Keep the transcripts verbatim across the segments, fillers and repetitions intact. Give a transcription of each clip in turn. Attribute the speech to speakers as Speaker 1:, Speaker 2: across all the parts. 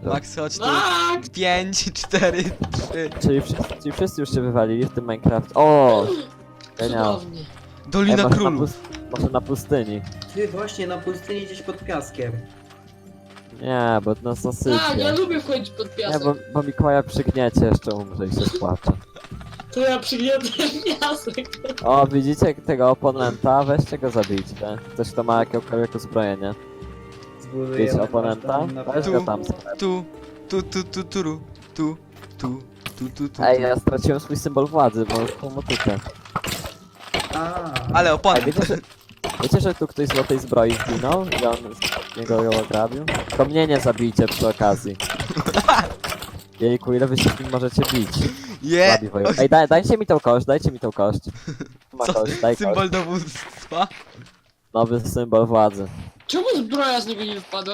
Speaker 1: Max, chodź tu.
Speaker 2: Max!
Speaker 1: Pięć, cztery, trzy.
Speaker 3: Czyli wszyscy, czyli wszyscy już się wywalili w tym Minecraft. O! Genial.
Speaker 2: Cudownie.
Speaker 1: Dolina
Speaker 3: może, na
Speaker 1: Królów.
Speaker 3: pust- może na pustyni.
Speaker 4: Ty właśnie na pustyni gdzieś pod piaskiem.
Speaker 3: Nie, bo nas
Speaker 2: Tak, ja
Speaker 3: zasypie.
Speaker 2: lubię wchodzić pod
Speaker 3: Nie,
Speaker 2: piasek.
Speaker 3: bo, bo Mikołaja przygniecie, jeszcze umrze i się spłacze.
Speaker 2: To ja przygniotę piasek.
Speaker 3: O, widzicie tego oponenta? Weźcie go zabijcie. Ktoś, kto ma jakiekolwiek uzbrojenie.
Speaker 4: Zbuduję
Speaker 3: Widzicie
Speaker 4: na
Speaker 3: oponenta?
Speaker 4: kasztan na
Speaker 3: Weź
Speaker 1: Tu.
Speaker 3: go tam.
Speaker 1: Tu, tu, tu, tu, tu, tu, tu, tu, tu, tu.
Speaker 3: Ej, ja straciłem swój symbol władzy, bo już pomotykę.
Speaker 4: A,
Speaker 1: Ale
Speaker 3: Ej,
Speaker 1: oponent.
Speaker 3: wiecie, że, wiecie, że tu ktoś z złotej zbroi zginął i on z niego ją ograbił? To mnie nie zabijcie przy okazji. Jejku, ile wy się z nim możecie bić?
Speaker 1: Je!
Speaker 3: Słabi woju. Ej, daj, dajcie mi tą kość, dajcie mi tą kość. Ma
Speaker 1: Co?
Speaker 3: kość, daj kość.
Speaker 1: Symbol dowództwa?
Speaker 3: Nowy symbol władzy.
Speaker 2: Czemu zbroja z niego nie wypada?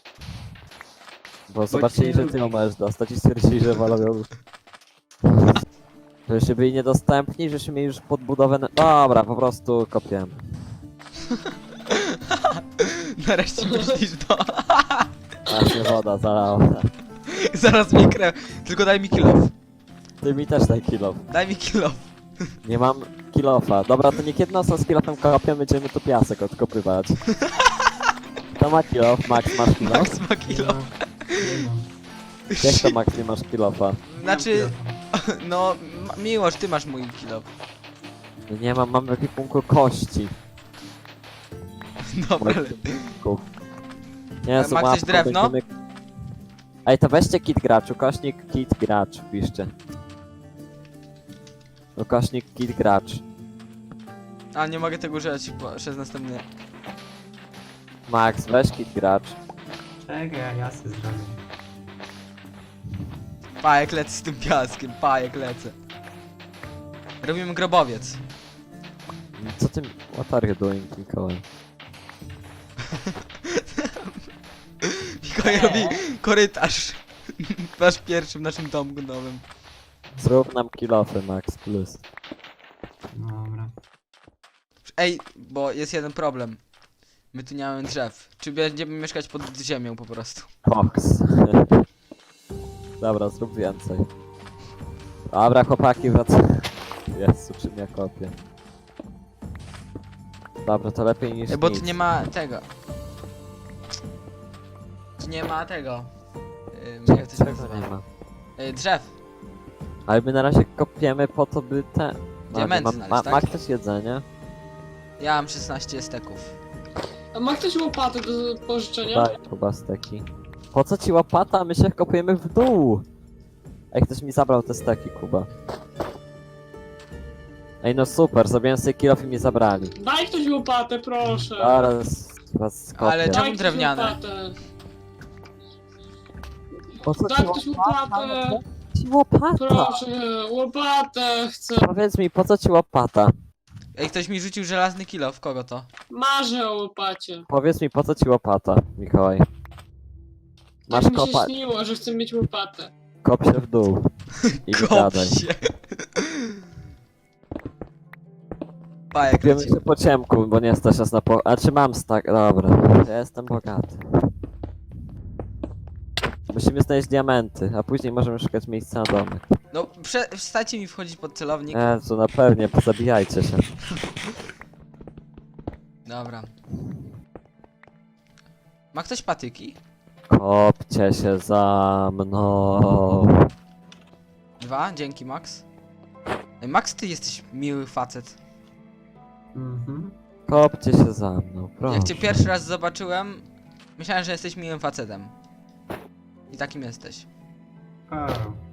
Speaker 3: Bo zobaczyli, że ty ją możesz dostać i stwierdzili, że wolą ją... Żeście byli niedostępni, żeście mieli już podbudowę... na- Dobra, po prostu kopiemy.
Speaker 1: Nareszcie myślisz to.
Speaker 3: Aż mnie woda zalała.
Speaker 1: Zaraz mnie krew. Tylko daj mi kill off.
Speaker 3: Ty mi też daj kill off.
Speaker 1: Daj mi kill off.
Speaker 3: Nie mam kill offa. Dobra, to nie kiedy nas z kill offem kopiemy, będziemy tu piasek odkopywać. To ma kill off, Max masz kill off?
Speaker 1: Max ma kill off.
Speaker 4: nie mam.
Speaker 3: Jak to Max nie masz kill offa?
Speaker 1: Znaczy, no, Ma- Miłosz, ty masz mój kill off.
Speaker 3: No nie mam, mam w ekwipunku kości.
Speaker 1: Dobra, ale...
Speaker 3: Ekwipunków. Nie,
Speaker 1: A
Speaker 3: z
Speaker 1: ma ktoś
Speaker 3: łapką
Speaker 1: drewno?
Speaker 3: będziemy- Ej, to weźcie kit gracz, ukośnik kit gracz, piszcie. Ukośnik kit gracz.
Speaker 1: A, nie mogę tego używać po, przez następny...
Speaker 3: Max, weź kit gracz.
Speaker 4: Czekaj, ja się zrobię.
Speaker 1: Pa, jak lecę z tym piaskiem, pa, jak lecę. Robimy grobowiec.
Speaker 3: Co ty... What are you doing, Mikołaj?
Speaker 1: Mikołaj robi korytarz. Nasz pierwszy w naszym domku nowym.
Speaker 3: Zrób nam kill offy, Max, plus.
Speaker 4: Dobra.
Speaker 1: Ej, bo jest jeden problem. My tu nie mamy drzew. Czy będziemy mieszkać pod ziemią po prostu?
Speaker 3: Cox. Dobra, zrób więcej. Dobra, chłopaki, wracamy. Jezu, czym ja kopię. Dobra, to lepiej niż
Speaker 1: Ej, bo
Speaker 3: nic.
Speaker 1: tu nie ma tego. Tu nie ma tego. Yy, jak to się
Speaker 3: Czego
Speaker 1: nazywa?
Speaker 3: nie ma?
Speaker 1: Yy, drzew.
Speaker 3: Ale my na razie kopiemy po to, by te...
Speaker 1: Diamenty
Speaker 3: ma,
Speaker 1: znaleźć,
Speaker 3: ma,
Speaker 1: tak?
Speaker 3: ma ktoś jedzenie?
Speaker 1: Ja mam szesnaście steków.
Speaker 2: A ma ktoś łopatę do pożyczenia?
Speaker 3: Daj, chyba steki. Po co ci łopata? My się kopujemy w dół! Ej, ktoś mi zabrał te steki, Kuba. Ej, no super, zrobiłem sobie kill off i mi zabrali.
Speaker 2: Daj ktoś łopatę, proszę.
Speaker 3: Zaraz was skopię.
Speaker 1: Ale czemu
Speaker 2: Daj ktoś
Speaker 1: drewniane?
Speaker 2: łopatę.
Speaker 3: Po co
Speaker 2: Daj
Speaker 3: ci
Speaker 2: ktoś
Speaker 3: łopata?
Speaker 2: łopatę.
Speaker 3: Ci łopata!
Speaker 2: Proszę, łopatę chcę.
Speaker 3: Powiedz mi, po co ci łopata?
Speaker 1: Ej, ktoś mi rzucił żelazny kilo, w kogo to?
Speaker 2: Marzę o łopacie.
Speaker 3: Powiedz mi, po co ci łopata, Mikołaj? Masz
Speaker 2: Tak mi się
Speaker 3: kopa...
Speaker 2: śniło, że chcę mieć łopatę.
Speaker 3: Kop się w dół. I
Speaker 1: Kop
Speaker 3: gadaj.
Speaker 1: się. Pa, jak
Speaker 3: Wiemy
Speaker 1: leci.
Speaker 3: się po ciemku, bo nie stać nas na po... A czy mam stak? Dobra, ja jestem bogaty. Musimy znaleźć diamenty, a później możemy szukać miejsca na domek.
Speaker 1: No, prze przestańcie mi wchodzić pod celownik.
Speaker 3: Jezu, na pewnie, pozabijajcie się.
Speaker 1: Dobra. Ma ktoś patyki?
Speaker 3: Kopcie się za mną.
Speaker 1: Dwa, dzięki Max. Ej, Max, ty jesteś miły facet.
Speaker 4: Mhm.
Speaker 3: Kopcie się za mną, proszę.
Speaker 1: Jak cię pierwszy raz zobaczyłem, myślałem, że jesteś miłym facetem. I takim jesteś.
Speaker 4: A,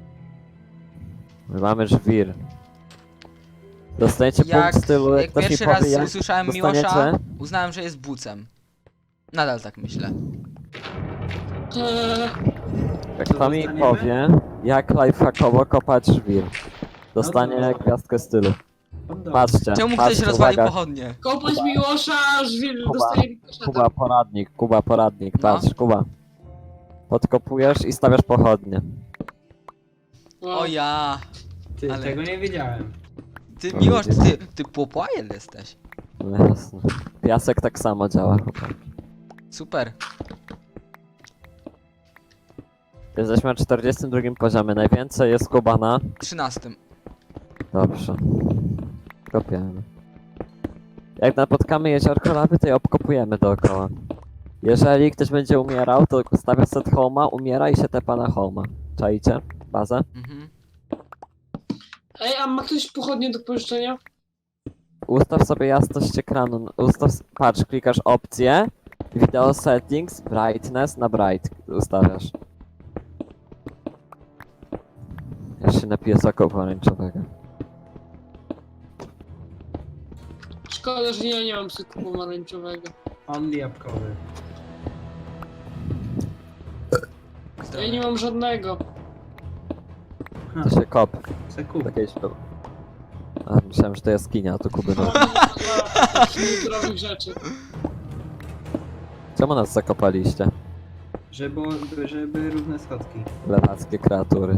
Speaker 3: My mamy żwir. Dostaniecie
Speaker 1: Jak,
Speaker 3: punkt stylu, jak
Speaker 1: jak
Speaker 3: ktoś mi
Speaker 1: pierwszy
Speaker 3: powie,
Speaker 1: raz
Speaker 3: jak
Speaker 1: usłyszałem
Speaker 3: dostaniecie?
Speaker 1: Miłosza, uznałem, że jest bucem. Nadal tak myślę.
Speaker 2: Eee,
Speaker 3: Jak
Speaker 4: Co
Speaker 3: kto mi
Speaker 4: dostaniemy?
Speaker 3: powie, jak lifehackowo kopać żwir. Dostanie
Speaker 4: No to-
Speaker 3: gwiazdkę stylu.
Speaker 4: podobnie.
Speaker 3: Patrzcie,
Speaker 1: Czemu
Speaker 3: patrzcie,
Speaker 1: ktoś rozwalił
Speaker 3: uwaga.
Speaker 1: pochodnie?
Speaker 2: kopać Miłosza, żwir
Speaker 3: Kuba,
Speaker 2: dostaje rikoszeta.
Speaker 3: Kuba, poradnik, Kuba, poradnik,
Speaker 1: No.
Speaker 3: patrz, Kuba. Podkopujesz i stawiasz pochodnie.
Speaker 2: Wow.
Speaker 1: O ja!
Speaker 4: Ty,
Speaker 1: ale-
Speaker 4: tego nie wiedziałem.
Speaker 1: Ty
Speaker 3: O,
Speaker 1: Miłosz,
Speaker 3: ludzie.
Speaker 1: ty, ty popłajen jesteś.
Speaker 3: No jasne. Piasek tak samo działa, chłopaki.
Speaker 1: Super.
Speaker 3: Jesteśmy na czterdziestym drugim poziomie. Najwięcej jest Kuba na...
Speaker 1: trzynastym.
Speaker 3: Dobrze. Kopiemy. Jak napotkamy jeziorko lawy, to je obkopujemy dookoła. Jeżeli ktoś będzie umierał, to stawia set home'a, umiera i się tepa na home'a. Czajcie? Bazę?
Speaker 1: Mhm.
Speaker 2: Ej, a ma ktoś pochodnie do pożyczenia?
Speaker 3: Ustaw sobie jasność ekranu. Ustaw, patrz, klikasz opcję, video settings, brightness na bright ustawiasz. Ja się napiję soku pomarańczowego.
Speaker 2: Szkoda, że ja nie mam soku pomarańczowego.
Speaker 4: Only jabłkowy.
Speaker 2: Ja nie mam żadnego.
Speaker 4: Ha,
Speaker 3: To się kop.
Speaker 4: se kup.
Speaker 3: Takiej śpiew. A, myślałem, że to jaskinia, a to Kuby no.
Speaker 2: Mam takich zdrowych rzeczy.
Speaker 3: Czemu nas zakopaliście?
Speaker 4: Żeby, żeby były równe schodki.
Speaker 3: Lewackie kreatury.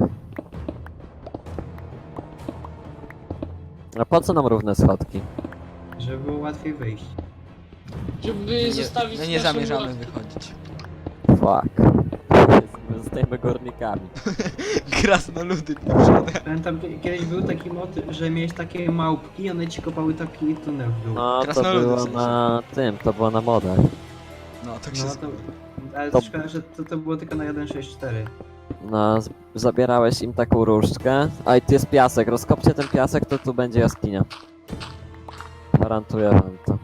Speaker 3: A po co nam równe schodki?
Speaker 4: Żeby było łatwiej wyjść.
Speaker 2: Żeby
Speaker 1: Nie,
Speaker 2: zostawić
Speaker 1: my nie
Speaker 2: naszą
Speaker 1: zamierzamy
Speaker 2: łaskę.
Speaker 1: wychodzić.
Speaker 3: Fuck. Zostajemy górnikami.
Speaker 1: Krasnoludy pieprzone.
Speaker 4: Pamiętam, kie- kiedyś był taki mod, że miałeś takie małpki, one ci kopały taki tunel w dół.
Speaker 3: No to
Speaker 1: Krasnoludy w
Speaker 3: było
Speaker 1: sensie.
Speaker 3: na tym, to było na modach.
Speaker 1: No, tak się...
Speaker 4: No to... Ale
Speaker 3: To-
Speaker 4: szkoda, że to, to było tylko na jeden sześć cztery.
Speaker 3: No, z- zabierałeś im taką różdżkę. A i tu jest piasek, rozkopcie ten piasek, to tu będzie jaskinia. Gwarantuję wam to.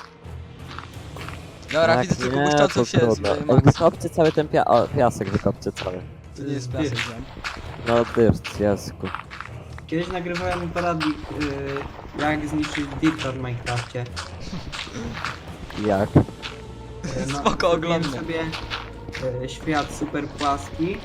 Speaker 1: Dobra,
Speaker 3: Jak
Speaker 1: widzę tylko
Speaker 3: nie,
Speaker 1: błyszczącą
Speaker 3: to
Speaker 1: się z
Speaker 3: trudno.
Speaker 1: y,
Speaker 3: Ej,
Speaker 1: Max.
Speaker 3: wykopcie cały ten pia o, piasek, wykopcie cały.
Speaker 1: To nie jest piasek, wiem.
Speaker 3: No dyrt, jasku.
Speaker 4: Kiedyś nagrywałem poradnik, yy, jak zniszczyć dirta w Minecrafcie.
Speaker 3: Jak?
Speaker 4: Yy,
Speaker 1: Spoko,
Speaker 4: zrobiłem
Speaker 1: oglądam.
Speaker 4: sobie yy, świat super płaski yy,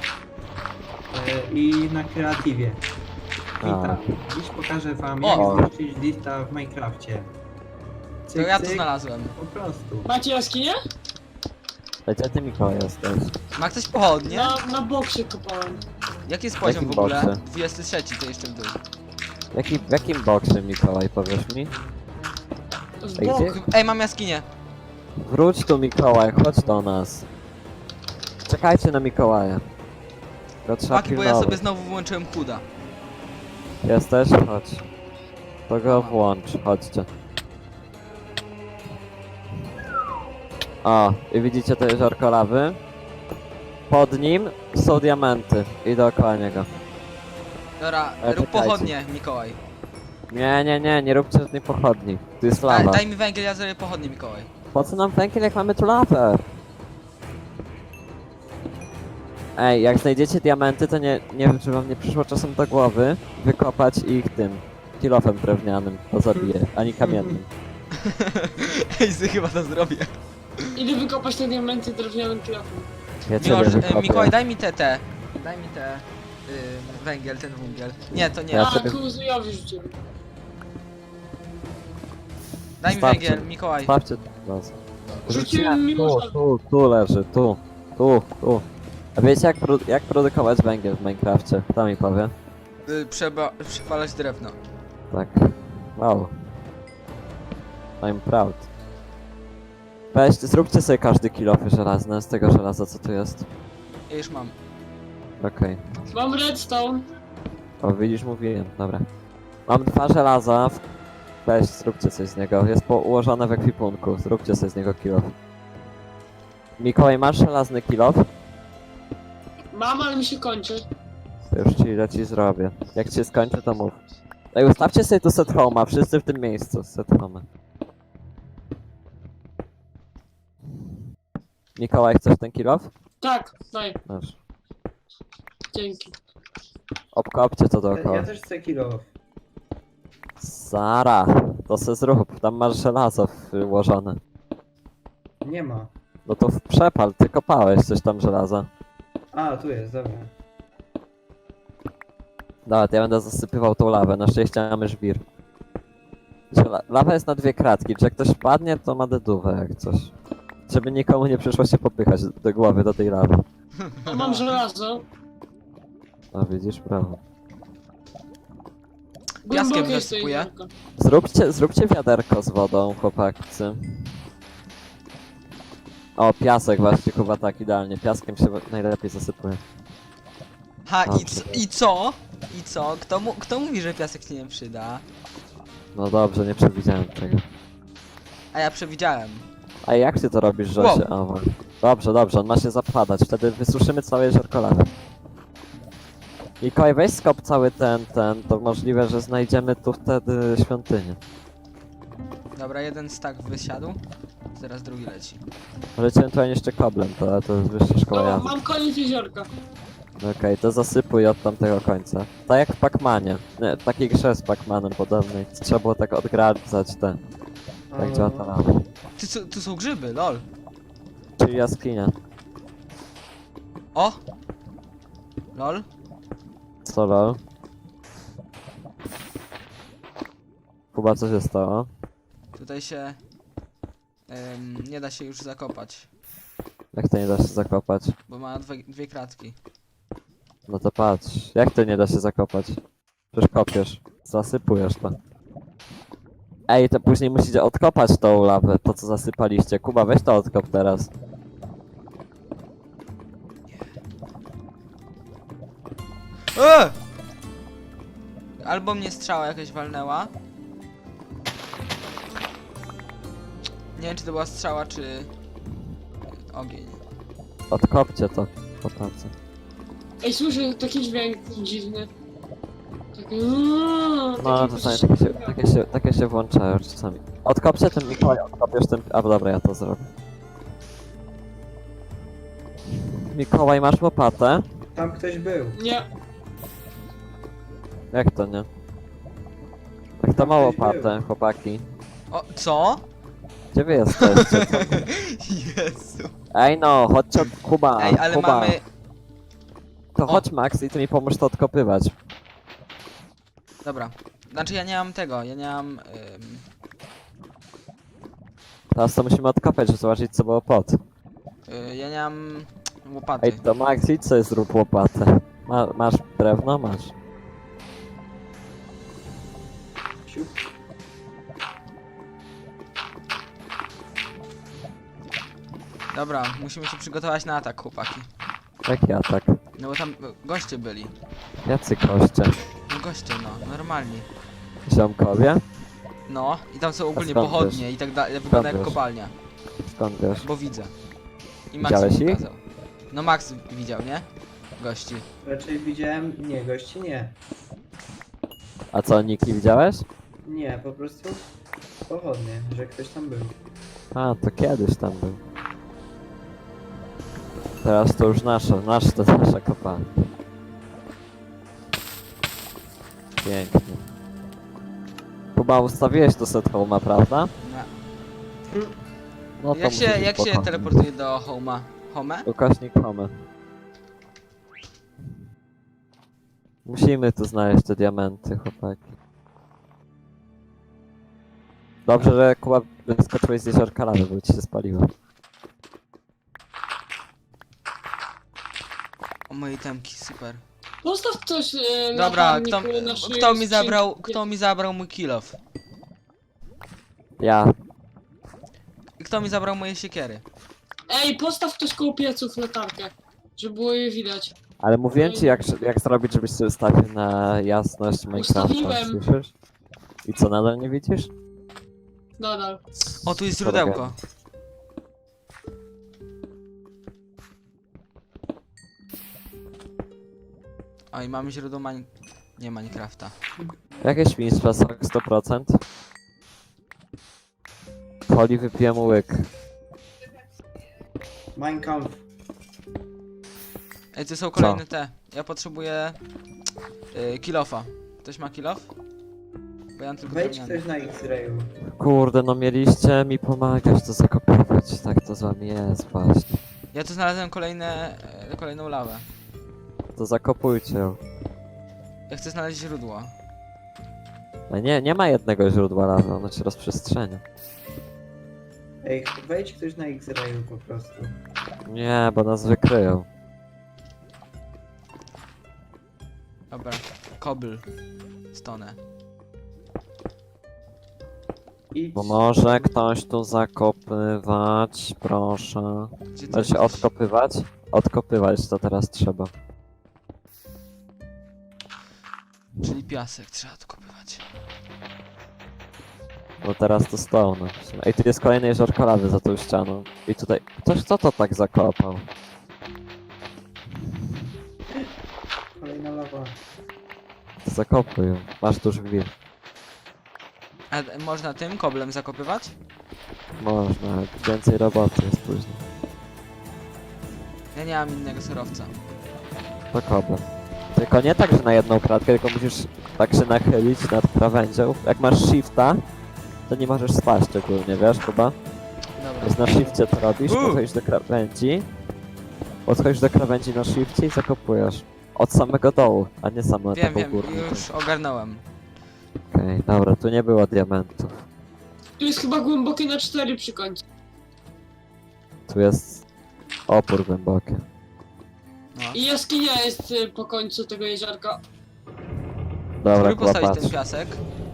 Speaker 4: i na kreatywie. I
Speaker 3: A.
Speaker 4: tak, dziś pokażę wam,
Speaker 1: O!
Speaker 4: jak zniszczyć dirta w Minecrafcie.
Speaker 1: To
Speaker 4: Cyk,
Speaker 1: ja to
Speaker 4: cyk,
Speaker 1: znalazłem.
Speaker 4: Po prostu.
Speaker 2: Macie jaskinię?
Speaker 3: Ej, gdzie ty Mikołaj jesteś?
Speaker 1: Ma ktoś pochodnie?
Speaker 2: Na, na boksie kopałem.
Speaker 1: Jaki jest poziom
Speaker 3: Jakim
Speaker 1: w ogóle?
Speaker 3: boksie?
Speaker 1: dwudziesty trzeci, to jeszcze w dół.
Speaker 3: Jaki, w jakim boksie Mikołaj, powiesz mi?
Speaker 2: W
Speaker 3: Ej,
Speaker 2: bok.
Speaker 3: gdzie?
Speaker 1: Ej, mam jaskinię.
Speaker 3: Wróć tu Mikołaj, chodź do nas. Czekajcie na Mikołaja. Go trzeba
Speaker 1: Maki, bo ja
Speaker 3: pilnować.
Speaker 1: sobie znowu włączyłem kuda.
Speaker 3: Jesteś? Chodź. To go włącz, chodźcie. O, i widzicie to jeziorko lawy? Pod nim są diamenty i dookoła niego.
Speaker 1: Dobra,
Speaker 3: Ale
Speaker 1: rób
Speaker 3: czekajcie.
Speaker 1: pochodnie, Mikołaj.
Speaker 3: Nie, nie, nie, nie róbcie żadnej pochodni. Tu jest
Speaker 1: Daj,
Speaker 3: lawa.
Speaker 1: daj mi węgiel, ja zrobię pochodnie, Mikołaj.
Speaker 3: Po co nam węgiel, jak mamy tu lawę? Ej, jak znajdziecie diamenty, to nie, nie wiem, czy wam nie przyszło czasem do głowy wykopać ich tym kilofem drewnianym, to zabije, ani kamiennym.
Speaker 1: Ej, sy, chyba to zrobię.
Speaker 2: Idę wykopać te diamenty drewnianym kilofem.
Speaker 3: Wiecie,
Speaker 1: Miłosz,
Speaker 3: że
Speaker 1: e,
Speaker 3: wykopię.
Speaker 1: Mikołaj, daj mi te, te. Daj mi te... Y, węgiel, ten węgiel. Nie, to nie.
Speaker 3: Ja
Speaker 2: A,
Speaker 3: sobie-
Speaker 2: kuzujowi rzuciłem.
Speaker 1: Daj mi
Speaker 3: Starczy.
Speaker 1: węgiel, Mikołaj.
Speaker 3: Sprawdźcie to teraz.
Speaker 2: Rzuciłem
Speaker 3: Tu,
Speaker 2: Miłosza.
Speaker 3: tu, tu leży, tu, tu, tu. A wiecie jak, produ jak produkować węgiel w Minecrafcie? Kto mi powie?
Speaker 1: Y, przeba- przepalać drewno.
Speaker 3: Tak. Wow. I'm proud. Weźcie, zróbcie sobie każdy kilofy żelazne z tego żelaza, co tu jest.
Speaker 1: Ja już mam.
Speaker 3: Okej.
Speaker 2: Mam redstone.
Speaker 3: O, widzisz, mówiłem, dobra. Mam dwa żelaza. Weź, zróbcie coś z niego. Jest po ułożone w ekwipunku. Zróbcie sobie z niego kilof. Mikołaj, masz żelazny kilof?
Speaker 2: Mam, ale mi się kończy.
Speaker 3: To już ci leci zrobię. Jak ci się skończy, to mów. Ej, ustawcie sobie tu set home'a, wszyscy w tym miejscu. Set home'a. Mikołaj, chcesz ten kilof?
Speaker 2: Tak, daj.
Speaker 3: Masz.
Speaker 2: Dzięki.
Speaker 3: Obkopcie to
Speaker 4: Ja,
Speaker 3: dookoła.
Speaker 4: ja też chcę kilo.
Speaker 3: Sara, to se zrób. Tam masz żelazo włożone.
Speaker 4: Nie ma.
Speaker 3: No to w przepal, ty kopałeś coś tam żelaza.
Speaker 4: A, tu jest, dobra.
Speaker 3: Dobra, to ja będę zasypywał tą lawę, na szczęście mamy żwir. Że la lawa jest na dwie kratki, czy jak ktoś padnie, to ma dedówę jak coś. Żeby nikomu nie przyszło się popychać do głowy do tej lawy.
Speaker 2: A mam żelazo.
Speaker 3: No widzisz, prawo.
Speaker 1: Piaskiem
Speaker 2: Głębokie jest to
Speaker 1: zasypuję.
Speaker 2: jeziorko.
Speaker 3: Zróbcie, zróbcie wiaderko z wodą, chłopacy. O, piasek właśnie, chyba tak, idealnie. Piaskiem się najlepiej zasypuje.
Speaker 1: Ha, i,
Speaker 3: Dobrze.
Speaker 1: c- i co? I co? Kto, mu, kto mówi, że piasek się nie przyda?
Speaker 3: No dobrze, nie przewidziałem tego.
Speaker 1: A ja przewidziałem.
Speaker 3: A jak ty to robisz, że
Speaker 1: Wow.
Speaker 3: się... A, wa- dobrze, dobrze, on ma się zapadać, wtedy wysuszymy całe jeziorko lawy. Mikołaj, weź skop cały ten, ten, to możliwe, że znajdziemy tu wtedy świątynię.
Speaker 1: Dobra, jeden stak wysiadł. Teraz drugi leci.
Speaker 3: Możecie ewentualnie jeszcze koblem, to, to jest wyższa szkoła
Speaker 2: No,
Speaker 3: jazdy.
Speaker 2: mam koniec jeziorka.
Speaker 3: Okej, to zasypuj od tamtego końca. Tak jak w Pacmanie. Nie, taki grze z Pacmanem podobny. Trzeba było tak odgradzać te. Jak działa ta lawa.
Speaker 1: Ty, co- tu są grzyby, lol.
Speaker 3: Czyli jaskinia.
Speaker 1: O! Lol.
Speaker 3: Co lol? Kuba, co się stało?
Speaker 1: Tutaj się... em, nie da się już zakopać,
Speaker 3: Jak to nie da się zakopać?
Speaker 1: bo ma dwie, dwie kratki.
Speaker 3: No to patrz. Jak to nie da się zakopać? Przecież kopiesz. Zasypujesz to. Ej, to później musicie odkopać tą lawę, to co zasypaliście. Kuba, weź to odkop teraz.
Speaker 1: Eee! Albo mnie strzała jakaś walnęła. Nie wiem, czy to była strzała, czy... ogień.
Speaker 3: Odkopcie to. Chłopacy.
Speaker 2: Ej, słyszę taki dźwięk dziwny. Taki...
Speaker 3: No, czasami takie się, takie się, takie się włączają czasami. Odkopcie ten Mikołaj, odkopiesz ten... A, dobra, ja to zrobię. Mikołaj, masz łopatę?
Speaker 4: Tam ktoś był.
Speaker 2: Nie,
Speaker 3: Jak to nie? Jak to
Speaker 4: Tam
Speaker 3: ma
Speaker 4: ktoś
Speaker 3: łopatę, chłopaki?
Speaker 1: O, co?
Speaker 3: Gdzie wy jesteście?
Speaker 1: Jezu.
Speaker 3: Ej no, chodźcie od Kuba,
Speaker 1: Ej, ale
Speaker 3: Kuba.
Speaker 1: mamy...
Speaker 3: To
Speaker 1: O.
Speaker 3: chodź Max i ty mi pomóż to odkopywać.
Speaker 1: Dobra. Znaczy ja nie mam tego, ja nie mam... Ym...
Speaker 3: Teraz to musimy odkopać, żeby zobaczyć co było pod.
Speaker 1: y, ja nie mam... łopaty.
Speaker 3: Ej, to Max, idź sobie zrób łopatę. Ma, masz drewno? Masz.
Speaker 4: Siup.
Speaker 1: Dobra, musimy się przygotować na atak, chłopaki.
Speaker 3: Jaki atak?
Speaker 1: No bo tam y, goście byli.
Speaker 3: Jacy koście?
Speaker 1: No goście, no, normalni.
Speaker 3: Ziomkowie?
Speaker 1: No, i tam są ogólnie
Speaker 3: skąd
Speaker 1: pochodnie i tak dalej, wygląda jak
Speaker 3: wiesz?
Speaker 1: kopalnia.
Speaker 3: Skąd wiesz?
Speaker 1: Bo widzę. I Max
Speaker 3: Widziałeś
Speaker 1: mi
Speaker 3: ich?
Speaker 1: pokazał. No Max widział, nie? Gości.
Speaker 4: Raczej widziałem... Nie, gości nie.
Speaker 3: A co, Niki widziałeś?
Speaker 4: Nie, po prostu pochodnie, że ktoś tam był.
Speaker 3: A, to kiedyś tam był. Teraz to już nasza, nasz to nasza kopalnia. Pięknie. Kuba, ustawiłeś to set home'a, prawda?
Speaker 1: No.
Speaker 3: No to
Speaker 1: Jak się,
Speaker 3: musi być
Speaker 1: jak się
Speaker 3: spokojnie.
Speaker 1: teleportuje do Homa? Home?
Speaker 3: Ukośnik home. Musimy tu znaleźć te diamenty, chłopaki. Dobrze, że Kuba wyskoczyłeś z jeziorka lawy, bo ci się spaliło.
Speaker 1: O moje temki, super.
Speaker 2: postaw coś e, na
Speaker 1: Dobra, kto,
Speaker 2: palniku na szyi
Speaker 1: kto mi
Speaker 2: skrzynki.
Speaker 1: zabrał, kto mi zabrał mój kill off?
Speaker 3: Ja.
Speaker 1: I kto mi zabrał moje siekiery?
Speaker 2: Ej, postaw ktoś koło pieców latarkę, żeby było je widać.
Speaker 3: Ale mówiłem ci jak, jak zrobić, żebyś sobie ustawił na jasność Minecrafta,
Speaker 2: Ustawiłem.
Speaker 3: słyszysz? I co, nadal nie widzisz?
Speaker 2: Nadal.
Speaker 1: O, tu jest źródełko. O, i mamy źródło mań... nie Minecrafta.
Speaker 3: Jakie świństwa są sto procent? Poli wypiłem łyk.
Speaker 4: Mein Kampf.
Speaker 1: Ej, to są kolejne te. Ja potrzebuję... Yy, kill-offa. Ktoś ma kill-off? Bo ja mam tylko
Speaker 4: Wejdź
Speaker 1: drewniany.
Speaker 4: ktoś na X-rayu.
Speaker 3: Kurde, no mieliście mi pomagać to zakopywać, tak to z wami jest właśnie.
Speaker 1: Ja tu znalazłem kolejne... e, kolejną lawę.
Speaker 3: To zakopujcie ją.
Speaker 1: Ja chcę znaleźć źródło.
Speaker 3: No nie, nie ma jednego źródła lawy, ono się rozprzestrzenia.
Speaker 4: Ej, wejdź ktoś na X-rayu po prostu.
Speaker 3: Nie, bo nas wykryją.
Speaker 1: Dobra. Kobyl. Stonę.
Speaker 4: Idź.
Speaker 3: Bo może ktoś tu zakopywać, proszę.
Speaker 1: Gdzie ty
Speaker 3: Może się
Speaker 1: jesteś?
Speaker 3: odkopywać? Odkopywać to teraz trzeba.
Speaker 1: Czyli piasek trzeba odkopywać.
Speaker 3: No teraz to stone. Ej, tu jest kolejny jeziorko lawy za tą ścianą. I tutaj... Ktoś kto to tak zakopał?
Speaker 4: Kolejna lawa.
Speaker 3: Zakopuj ją. Masz tuż gwir.
Speaker 1: A e, można tym koblem zakopywać?
Speaker 3: Można, więcej roboty jest później.
Speaker 1: Ja nie mam innego surowca.
Speaker 3: To kobra. Tylko nie tak, że na jedną kratkę, tylko musisz tak się nachylić nad krawędzią. Jak masz shifta, to nie możesz spaść ogólnie, wiesz chyba?
Speaker 1: Dobra.
Speaker 3: Więc na shifcie to robisz,
Speaker 1: U.
Speaker 3: podchodzisz do krawędzi. Podchodzisz do krawędzi na shifcie i zakopujesz. Od samego dołu, a nie samo na
Speaker 1: Wiem,
Speaker 3: taką
Speaker 1: wiem,
Speaker 3: górną.
Speaker 1: już ogarnąłem.
Speaker 3: Okej, dobra, tu nie było diamentów.
Speaker 2: Tu jest chyba głębokie na cztery przy końcu.
Speaker 3: Tu jest opór głęboki.
Speaker 1: No.
Speaker 2: I jaskinia jest y, po końcu tego jeziorka.
Speaker 3: Dobra,
Speaker 1: Spróbuj
Speaker 3: chyba
Speaker 1: postawić
Speaker 3: patrz.
Speaker 1: ten piasek.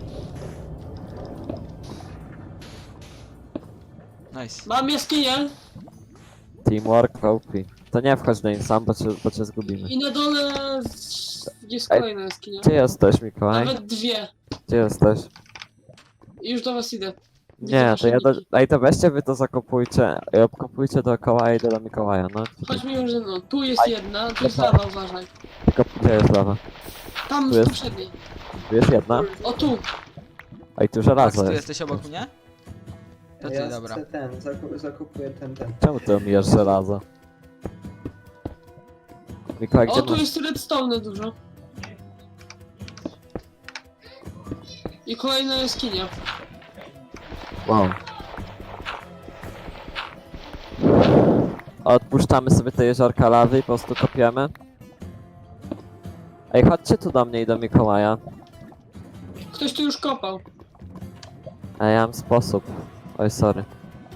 Speaker 1: Nice.
Speaker 2: Mam jaskinię
Speaker 3: Teamwork O P. To nie wchodź do nim sam, bo cię, bo cię zgubimy.
Speaker 2: i na dole z- jest
Speaker 3: Ej,
Speaker 2: kolejna jaskinia.
Speaker 3: Gdzie jesteś, Mikołaj?
Speaker 2: Nawet dwie.
Speaker 3: Gdzie jesteś?
Speaker 2: I już do was idę.
Speaker 3: Nie, to ja do... Ej, to weźcie wy to zakopujcie i obkopujcie dookoła i idę do Mikołaja, no.
Speaker 2: Chodź mi już ze mną. Tu jest jedna, tu jest lawa, uważaj.
Speaker 3: Tylko gdzie jest lawa?
Speaker 2: Tam
Speaker 3: Tu
Speaker 2: z
Speaker 3: jest?
Speaker 2: poprzedniej.
Speaker 3: Tu jest jedna?
Speaker 2: O tu.
Speaker 3: Ej, tu
Speaker 1: Max,
Speaker 3: żelazo
Speaker 1: tu
Speaker 3: jest.
Speaker 1: jesteś obok mnie? To ty,
Speaker 4: ja
Speaker 1: dobra.
Speaker 4: chcę ten, zaku- zakupuję ten, ten.
Speaker 3: Czemu ty omijasz żelazo? Mikołaj,
Speaker 2: O,
Speaker 3: gdzie
Speaker 2: tu
Speaker 3: masz?
Speaker 2: jest redstone dużo. I kolejna jaskinia.
Speaker 3: Wow. Odpuszczamy sobie te jeziorka lawy i po prostu kopiemy. Ej, chodźcie tu do mnie i do Mikołaja.
Speaker 2: Ktoś tu już kopał.
Speaker 3: A ja mam sposób. Oj, sorry.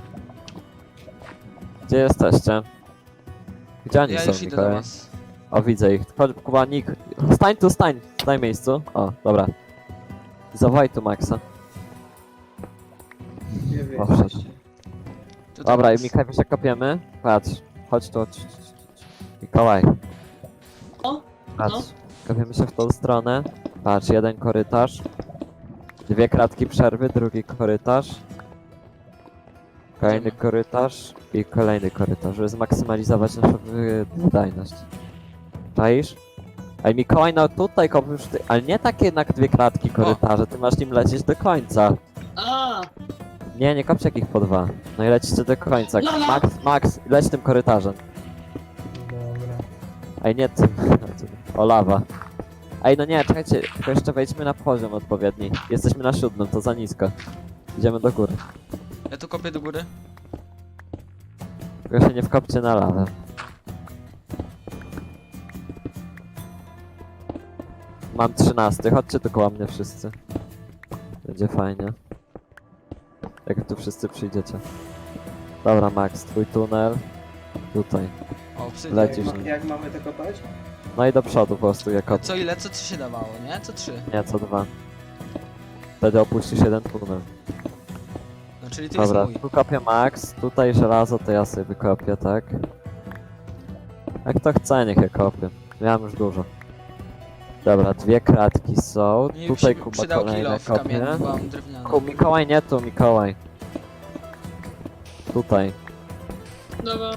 Speaker 3: Gdzie jesteście? Gdzie oni
Speaker 1: Ja
Speaker 3: są,
Speaker 1: już idę do
Speaker 3: Mikołaj?
Speaker 1: was.
Speaker 3: O, widzę ich. Chodź, Kuba, Nik. Stań tu, stań! Stań w miejscu. O, dobra. Zawołaj tu Maxa.
Speaker 4: Gdzie wy
Speaker 3: Poszedł.
Speaker 4: jesteście?
Speaker 1: Tutaj
Speaker 3: Dobra, i
Speaker 1: Max.
Speaker 3: Mikołaj, się kopiemy. Patrz. Chodź tu. Chodź, chodź, chodź, chodź. Mikołaj.
Speaker 2: O,
Speaker 3: Patrz.
Speaker 2: no.
Speaker 3: Kopiemy się w tą stronę. Patrz, jeden korytarz. Dwie kratki przerwy, drugi korytarz. Kolejny
Speaker 1: Idziemy.
Speaker 3: korytarz i kolejny korytarz, żeby zmaksymalizować naszą wy- wydajność. Czaisz? Ej, Mikołaj, no tutaj kopisz ty, ale nie takie jednak dwie kratki korytarze, ty masz nim lecieć do końca.
Speaker 2: A,
Speaker 3: Nie, nie kopcie jakich po dwa. No i lecicie do końca.
Speaker 2: Lala.
Speaker 3: Max, Max, leć tym korytarzem.
Speaker 4: Dobra.
Speaker 3: Ej, nie tym. O, lawa. Ej, no nie, czekajcie, tylko jeszcze wejdźmy na poziom odpowiedni. Jesteśmy na siódmym, to za nisko. Idziemy do góry.
Speaker 1: Ja tu kopię do góry.
Speaker 3: Tylko się nie wkopcie na lawę. Mam trzynasty, chodźcie tu koło mnie wszyscy. Będzie fajnie. Jak tu wszyscy przyjdziecie. Dobra, Max, twój tunel. Tutaj.
Speaker 1: O, obsydian.
Speaker 3: Lecisz.
Speaker 4: Jak, ma, jak mamy to kopać?
Speaker 3: No i do przodu po prostu, jak od...
Speaker 1: Co ile? Co trzy się dawało, nie? Co trzy?
Speaker 3: Nie, co dwa. Wtedy opuścisz jeden tunel.
Speaker 1: No czyli ty
Speaker 3: Dobra,
Speaker 1: jest mój.
Speaker 3: tu kopię Max, tutaj żelazo to ja sobie wykopię, tak? Jak to chce, niech je kopię. Miałem już dużo. Dobra, dwie kratki są.
Speaker 1: Mi
Speaker 3: Tutaj
Speaker 1: się
Speaker 3: Kuba
Speaker 1: przydał
Speaker 3: kolejne
Speaker 1: kilof
Speaker 3: kopie.
Speaker 1: kamienny, bo mam drewniany.
Speaker 3: Ku, Mikołaj, nie tu, Mikołaj. Tutaj.
Speaker 2: dobra.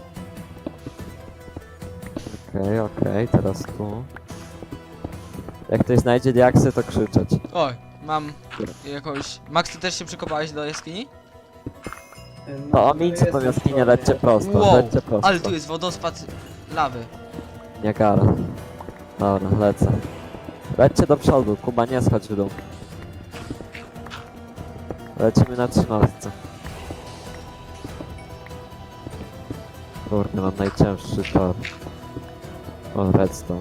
Speaker 3: Okej, okej, teraz tu. Jak ktoś znajdzie diaksy, to krzyczeć.
Speaker 1: Oj, mam jakąś... Max, ty też się przykopałeś do jaskini?
Speaker 3: No, omińcie tą jaskinię, lećcie prosto,
Speaker 1: Wow,
Speaker 3: lećcie prosto.
Speaker 1: ale tu jest wodospad lawy.
Speaker 3: Nie gara. Dobra, lecę. Lećcie do przodu, Kuba, nie schodź w dół. Lecimy na trzynastce. Kurde, mam najcięższy tor. O, redstone.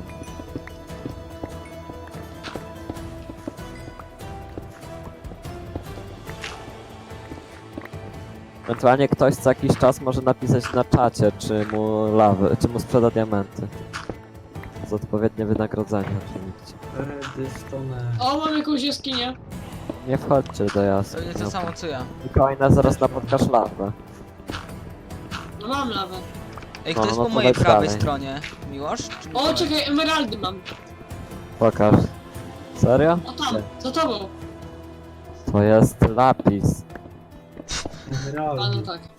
Speaker 3: Ewentualnie ktoś co jakiś czas może napisać na czacie, czy mu lawy, czy mu sprzeda diamenty. Z odpowiednie wynagrodzenie oczywiście.
Speaker 4: Redstone.
Speaker 2: O, mam jakąś jaskinię.
Speaker 3: Nie wchodźcie do
Speaker 1: To
Speaker 3: jasnych.
Speaker 1: nie to samo co ja.
Speaker 3: Mikołaj, nas zaraz napotkasz lawę.
Speaker 2: No mam lawę.
Speaker 1: Ej,
Speaker 3: No,
Speaker 1: kto jest
Speaker 3: no
Speaker 1: po
Speaker 3: to
Speaker 1: mojej
Speaker 3: leć
Speaker 1: prawej
Speaker 3: dalej.
Speaker 1: stronie? Miłosz? Czy
Speaker 2: O,
Speaker 1: Mikołaj?
Speaker 2: czekaj, emeraldy mam.
Speaker 3: Pokaż. Serio?
Speaker 2: O tam, za tobą.
Speaker 3: To jest lapis.
Speaker 2: A no
Speaker 4: Emeraldy.
Speaker 2: tak.